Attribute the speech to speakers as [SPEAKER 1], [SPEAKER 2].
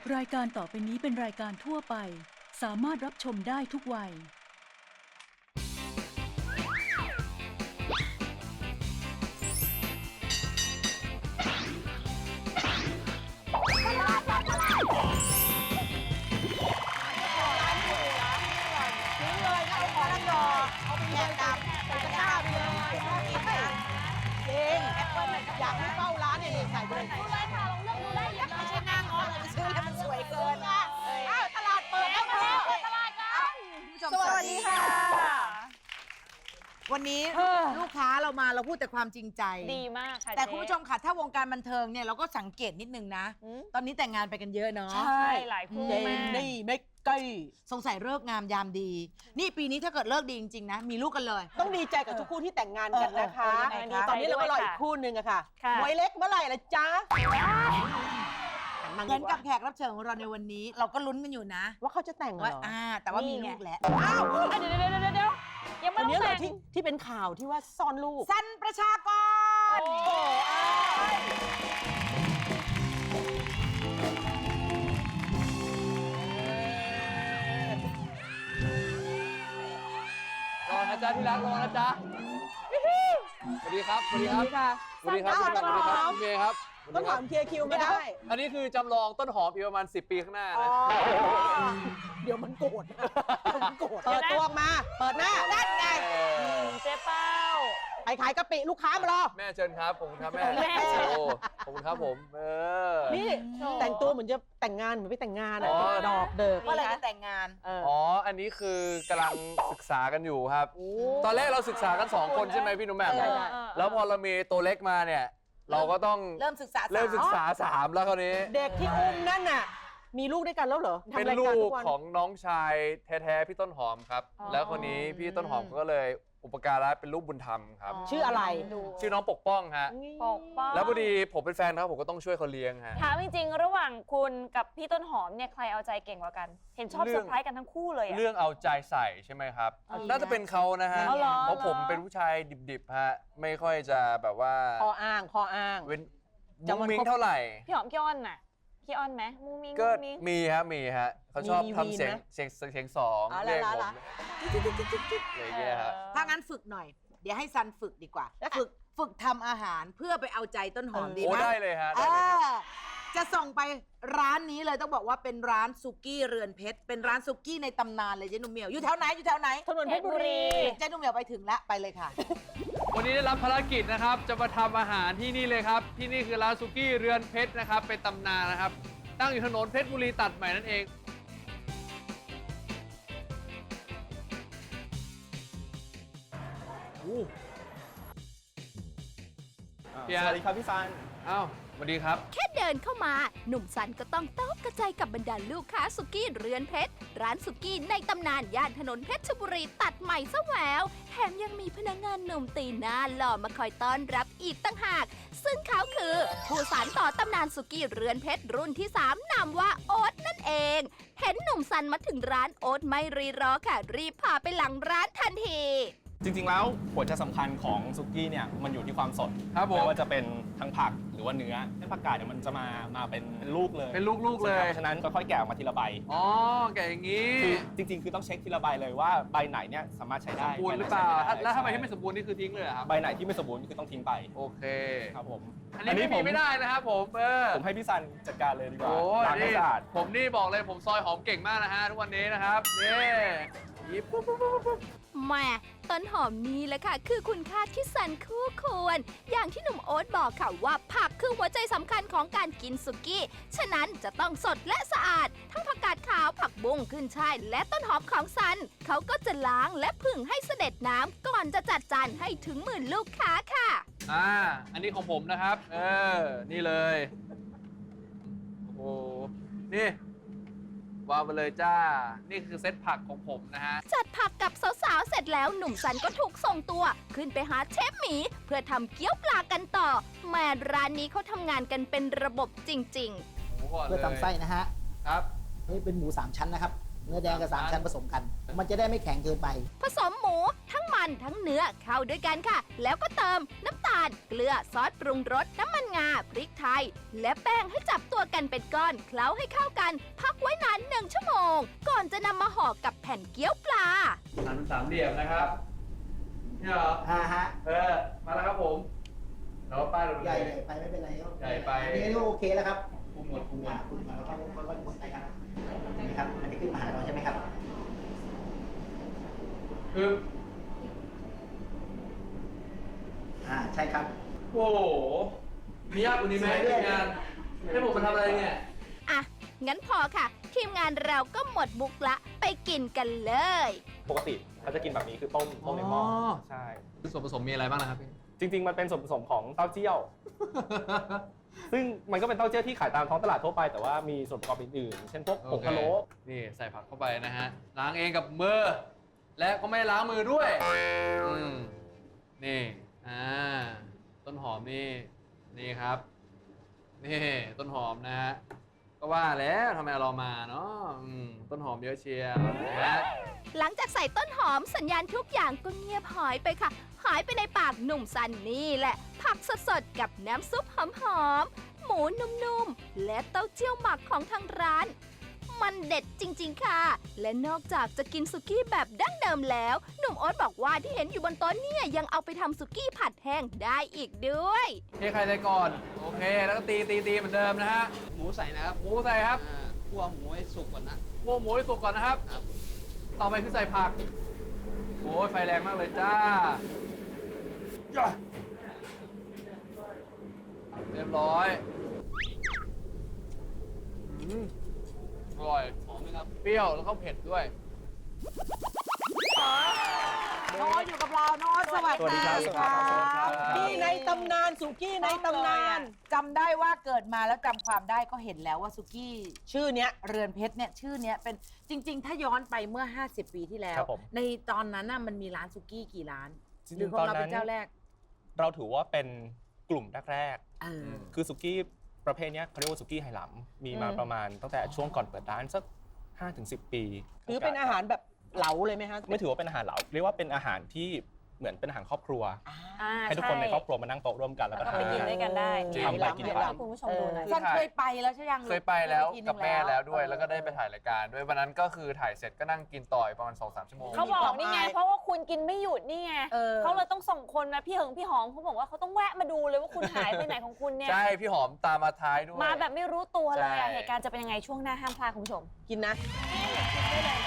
[SPEAKER 1] รายการต่อไปนี้เป็นรายการทั่วไปสามารถรับชมได้ทุกวัย
[SPEAKER 2] อยากให้เฝ้าร้านเนี่ยใส่ไปเลยดูเลยค่ะลองเลือกดูได้ไม่ใช่หน้างอจะไปซื้อแล้วมันสวยเกินตลาดเปิดแล้วเปิดตลาดกันสวัสดีค่ะวันนี้ลูกค้าเรามาเราพูดแต่ความจริงใจ
[SPEAKER 3] ดีมากค่ะ
[SPEAKER 2] แต่คุณผู้ชมค่ะถ้าวงการบันเทิงเนี่ยเราก็สังเกตนิดนึงนะตอนนี้แต่งงานไปกันเยอะเนาะ
[SPEAKER 3] ใช่หลายคู่มาก
[SPEAKER 2] นี่ไม่ใกล้สงสัยเลิกงามยามดีนี่ปีนี้ถ้าเกิดเลิกดีจริงๆนะมีลูกกันเลย
[SPEAKER 4] ต้องดีใจกับทุกคู่ที่แต่งงานกันนะคะตอนนี้เราก็รออีกคู่หนึ่งอะค่ะมวยเล็กเมื่อไหร่ล่ะจ๊ะ
[SPEAKER 2] เหมือนกับแขกรับเชิญของเราในวันนี้เราก็ลุ้นกันอยู่นะ
[SPEAKER 4] ว่าเขาจะแต่งเหรอ
[SPEAKER 2] แต่ว่ามีลูกแล้ว
[SPEAKER 4] อ้าว
[SPEAKER 3] เดี๋ยวยังไม่ต้องแต่ง
[SPEAKER 4] ที่เป็นข่าวที่ว่าซ่อนลูก
[SPEAKER 2] สันประชากร
[SPEAKER 5] รอนะจ๊ะที่รักรอนะจ๊ะสวัสดีครับสวัสดีครับสวัสดีครับสวัสดีครับเมย์ครับ
[SPEAKER 4] ต้นหอมเคลียร์คิวไม่ได้
[SPEAKER 5] อันนี้คือจำลองต้นหอมอีกประมาณ10 ปีข้างหน้านะ
[SPEAKER 4] เดี๋ยวมันโกรธเปิดตัวมาเปิดหน้าด้านไง
[SPEAKER 3] เจ๊เป้า
[SPEAKER 4] ไปขายกะปิลูกค้ามารอ
[SPEAKER 5] แม่เชิญครับผมครับแม่ขอบคุณครับผม
[SPEAKER 4] นี่แต่งตัวเหมือนจะแต่งงานเหมือนไปแต่งงานดอกเดิก
[SPEAKER 2] ว่าอะไรจะแต่งงาน
[SPEAKER 5] อันนี้คือกำลังศึกษากันอยู่ครับตอนแรกเราศึกษากัน2 คนใช่ไหมพี่หนุ่มแหม่มแล้วพอเรามีตัวเล็กมาเนี่ยเราก็ต้อง
[SPEAKER 2] เริ่มศึกษา
[SPEAKER 5] 3แล้วคราวนี้
[SPEAKER 4] เด็กที่อุ้มนั่นน่ะมีลูกด้วยกันแล้วเหรอ
[SPEAKER 5] เป็นลูกของน้องชายแท้ๆพี่ต้นหอมครับแล้วคนนี้พี่ต้นหอมก็เลยอุปการะเป็นลูกบุญธรรมครับ
[SPEAKER 4] ชื่ออะไร
[SPEAKER 5] ชื่อน้องปกป้องฮะ
[SPEAKER 3] ปกป้อง
[SPEAKER 5] แล้วพอดีผมเป็นแฟนเขาผมก็ต้องช่วยเขาเลี้ยงฮะ
[SPEAKER 3] ถามจริงๆระหว่างคุณกับพี่ต้นหอมเนี่ยใครเอาใจเก่งกว่ากันเห็นชอบเซอร์ไพรส์กันทั้งคู่เลย
[SPEAKER 5] เรื่องเอาใจใส่ใช่ไหมครับน่าจะเป็นเขานะฮะเพราะผมเป็นผู้ชายดิบๆฮะไม่ค่อยจะแบบว่า
[SPEAKER 4] ข้ออ้าง
[SPEAKER 5] เว้นมุ้งมิ้งเท่าไหร่
[SPEAKER 3] พี่หอมพี่อ้อนน่ะพี่อ้อนไหมมุ้งมิ้ง
[SPEAKER 5] ก็มีฮะเขาชอบทำเสียงสองเรียกผมอะไรเงี้ยครับ
[SPEAKER 2] ถ้างั้นฝึกหน่อยเดี๋ยวให้ซันฝึกดีกว่าฝึกทำอาหารเพื่อไปเอาใจต้นหอมดีไหม
[SPEAKER 5] ได้เลยฮะ
[SPEAKER 2] จะส่งไปร้านนี้เลยต้องบอกว่าเป็นร้านซุกี้เรือนเพชรเป็นร้านซุกี้ในตำนานเลยเจ๊นุ่มเหมียวอยู่แถวไหน
[SPEAKER 4] ถนนเพชรบุรี
[SPEAKER 2] เจ๊นุ่มเหมียวไปถึงแล้วไปเลยค่ะ
[SPEAKER 5] วันนี้ได้รับภารกิจนะครับจะมาทำอาหารที่นี่เลยครับที่นี่คือร้านซุกี้เรือนเพชรนะครับเป็นตำนานนะครับตั้งอยู่ถนนเพชรบุรีตัดใหม่นั่นเอง
[SPEAKER 6] สวัสดีครับพี่ซัน
[SPEAKER 5] อ้าวสวัสดีครับ
[SPEAKER 7] แค่เดินเข้ามาหนุ่มซันก็ต้องตกกระจายกับบรรดาลูกค้าสุกี้เรือนเพชรร้านสุกี้ในตำนานย่านถนนเพชรบุรีตัดใหม่ซะแหววแถมยังมีพนักงานหนุ่มตีหน้าหล่อมาคอยต้อนรับอีกตั้งหากซึ่งเขาคือผู้สานต่อตำนานสุกี้เรือนเพชรรุ่นที่3นามว่าโอ๊ตนั่นเองเห็นหนุ่มซันมาถึงร้านโอ๊ตไม่รีรอค่ะรีบพาไปหลังร้านทันที
[SPEAKER 6] จริงๆแล้วหัวใจสำคัญของซุกี้เนี่ยมันอยู่ที่ความสดไม่ว่าจะเป็นทั้งผักหรือว่าเนื้อผักกาดเนี่ยมันจะมาเป็นลูกเลย
[SPEAKER 5] เป็นลูกๆเลย
[SPEAKER 6] เพราะฉะนั้นค่อยๆแกะออกมาทีละใบ
[SPEAKER 5] แกะอย่างนี้
[SPEAKER 6] คือจริงๆคือต้องเช็คทีละใบเลยว่าใบไหนเนี่ยสามารถใช้ได้
[SPEAKER 5] สมบูรณ์หรือเปล่าแล้วถ้าใบที่ไม่สมบูรณ์นี่คือทิ้งเลยครับ
[SPEAKER 6] ใบไหนที่ไม่สมบูรณ์คือต้องทิ้งไป
[SPEAKER 5] โอเค
[SPEAKER 6] ครับผม
[SPEAKER 5] อันนี้ไม่ได้นะครับผม
[SPEAKER 6] ให้พี่ซันจัดการเลยดีกว่าล้างให้สะอาด
[SPEAKER 5] ผมนี่บอกเลยผมซอยหอมเก่งมากนะฮะทุกวันนี้นะครับนี่หยิบปุ๊บ
[SPEAKER 7] แม่ต้นหอมนี้แหละค่ะคือคุณค่าที่ซันคู่ควรอย่างที่หนุ่มโอ๊ตบอกค่ะว่าผักคือหัวใจสำคัญของการกินสุกี้ฉะนั้นจะต้องสดและสะอาดทั้งผักกาดขาวผักบุ้งขึ้นช่ายและต้นหอมของซันเขาก็จะล้างและผึ่งให้เสด็จน้ำก่อนจะจัดจานให้ถึงมือลูกค้าค่ะ
[SPEAKER 5] อันนี้ของผมนะครับนี่เลยโอ้นี่วางไปเลยจ้านี่คือเซตผักของผมนะฮะ
[SPEAKER 7] จัดผักกับสาวๆเสร็จแล้วหนุ่มซันก็ถูกส่งตัวขึ้นไปหาเชฟหมีเพื่อทำเกี๊ยวปลากันต่อแม่ร้านนี้เขาทำงานกันเป็นระบบจริง
[SPEAKER 2] ๆเพื่อทำไส้นะฮะ
[SPEAKER 5] ครับ
[SPEAKER 2] นี่เป็นหมู3 ชั้นนะครับ
[SPEAKER 8] เนื้อแดงกับ3 ชั้นผสมกัน มันจะได้ไม่แข็งเกินไป
[SPEAKER 7] ผสมหมูทั้งมันทั้งเนื้อเข้าด้วยกันค่ะ แล้วก็เติมน้ำตาล เกลือซอสปรุงรสน้ำมันงาพริกไทย และแป้งให้จับตัวกันเป็นก้อนเคล้าให้เข้ากัน พักไว้นาน1 ชั่วโมง ก่อนจะนำมาห่อกับแผ่นเกี๊ยวปลา
[SPEAKER 5] หันสามเหลี่ยมนะครับเนี่ยเหรอ
[SPEAKER 8] ฮะ
[SPEAKER 5] มาแล้วครับผมแล้วป้ายเรา
[SPEAKER 8] ใหญ่ไปไม่เป็นไร
[SPEAKER 5] ใหญ่ไป
[SPEAKER 8] อันนี้โอเคแล้วครับ
[SPEAKER 5] คุมหมด
[SPEAKER 8] คุณเราต้องกดไปครับนี่ครับอันนี้ขึ้นมาหาเราใช่ไหมครับ
[SPEAKER 5] คือ
[SPEAKER 8] ใช่ครับ
[SPEAKER 5] โอ้โหมียากกว่านี้ไหมทีมงานให้ผมมาทำอะไรเนี่ย
[SPEAKER 7] อ่ะ งั้นพอค่ะ ทีมงานเราก็หมดบุกละไปกินกันเลย
[SPEAKER 6] ปกติเขาจะกินแบบนี้คือต้มในหม้อใช่
[SPEAKER 5] ส่วนผสมมีอะไรบ้างนะครับพี่
[SPEAKER 6] จริง ๆ มันเป็นส่วนผสมของเต้าเจี้ยว ซึ่งมันก็เป็นเต้าเจี้ยวที่ขายตามท้องตลาดทั่วไปแต่ว่ามีส่วนประกอบอื่นๆเช่นพวกผงพะโล้
[SPEAKER 5] นี่ใส่ผักเข้าไปนะฮะ ล้างเองกับมือ และก็ไม่ล้างมือด้วยนี่ต้นหอมนี่ครับ นี่ต้นหอมนะฮะ ก็ว่าแล้วทำไมเรามาเนาะต้นหอมเยอะเชียวนะ
[SPEAKER 7] หลังจากใส่ต้นหอมสัญญาณทุกอย่างก็เงียบหายไปค่ะ หายไปในปากหนุ่มซันนี่แหละ ผักสดๆกับน้ำซุปหอมๆหมูนุ่มๆ และเต้าเจี้ยวหมักของทางร้าน มันเด็ดจริงๆค่ะ และนอกจากจะกินสุกี้แบบดั้งเดิมแล้ว หนุ่มโอ๊ตบอกว่าที่เห็นอยู่บนโต๊ะเนี่ยยังเอาไปทำสุกี้ผัดแห้งได้อีกด้วย
[SPEAKER 5] เทใครใส่ก่อน โอเค แล้วก็ตีเหมือนเดิมนะฮะ
[SPEAKER 9] หมูใส่นะครับ
[SPEAKER 5] หมูใส่ครับ
[SPEAKER 9] คั่วหมูให้สุกก่อนนะ
[SPEAKER 5] คั่วหมูให้สุกก่อนนะครับ ต่อไปคือใส่ผัก โอ้ยไฟแรงมากเลยจ้าเรียบร้อยอร่อย หอมไหมครับ เปรี้ยวแล้วก็เผ็ดด้วย
[SPEAKER 2] น้องอยู่กับเราน้องสวัส
[SPEAKER 6] สวัสดี
[SPEAKER 2] ดี
[SPEAKER 6] ครับ
[SPEAKER 2] ค่ะ
[SPEAKER 4] ที่ในตำนานสุกี้ในตำนาน
[SPEAKER 2] จำได้ว่าเกิดมาแล้วจำความได้ก็เห็นแล้วว่าสุกี้
[SPEAKER 4] ชื่อเนี้ย
[SPEAKER 2] เรือนเพชรเนี่ยชื่อเนี้ยเป็นจริง ๆ ถ้าย้อนไปเมื่อ 50 ปีที่แล้ว
[SPEAKER 6] ครับผม
[SPEAKER 2] ในตอนนั้นน่ะมันมีร้านสุกี้กี่ร้าน
[SPEAKER 6] จริงๆ
[SPEAKER 2] หรือของเราเป็น
[SPEAKER 6] ตอนนั้น
[SPEAKER 2] เจ้าแรก
[SPEAKER 6] เราถือว่าเป็นกลุ่มแรก
[SPEAKER 2] เออ
[SPEAKER 6] ๆคือสุกี้ประเภทเนี้ยเขาเรียกว่าสุกี้ไหหลำมีมาประมาณตั้งแต่ช่วงก่อนเปิดร้านสัก 5-10 ปี
[SPEAKER 4] ถือเป็นอาหารแบบเหลาเลยไหมฮะ
[SPEAKER 6] ไม่ถือว่าเป็นอาหารเหลาเรียกว่าเป็นอาหารที่เหมือนเป็นอาหารครอบครัว
[SPEAKER 3] อ่า
[SPEAKER 6] ให้ทุกคนในครอบครัวมานั่งโต๊ะร่วมกันแล้ว
[SPEAKER 3] แล้ว
[SPEAKER 6] ก็
[SPEAKER 3] ก็ไป
[SPEAKER 6] ทาน
[SPEAKER 3] กินด้วยกันได้
[SPEAKER 6] ทำไปกินไป
[SPEAKER 3] ให้คุณผู้ชมดูหน่อย
[SPEAKER 2] ฉันเคยไปแล้วใช่ยัง
[SPEAKER 5] เคยไปแล้ว
[SPEAKER 2] ทีนึง
[SPEAKER 5] กับแม่แล้วด้วย แล้วก็ได้ไปถ่ายรายการด้วย วันนั้นก็คือถ่ายเสร็จก็นั่งกินต่อยประมาณ 2-3 ชั่วโมง
[SPEAKER 3] เขาบอกนี่ไง เพราะว่าคุณกินไม่หยุดนี่ไง
[SPEAKER 2] ออ
[SPEAKER 3] เขาเลยต้องส่งคนนะพี่เหิงพี่หอมเขาบอกว่าเขาต้องแวะมาดูเลยว่าคุณหายไปไหนของคุณเนี่ย
[SPEAKER 5] ใช่ พี่หอมตามมาท้ายด้วย
[SPEAKER 3] มาแบบไม่รู้ตัวเลยอะ
[SPEAKER 5] ใช่
[SPEAKER 3] เหตุการณ์จะเป็นยังไงช่วงหน้าห้ามพลาดคุณผู้ชม
[SPEAKER 4] กินนะ
[SPEAKER 3] นี่กินได้เลย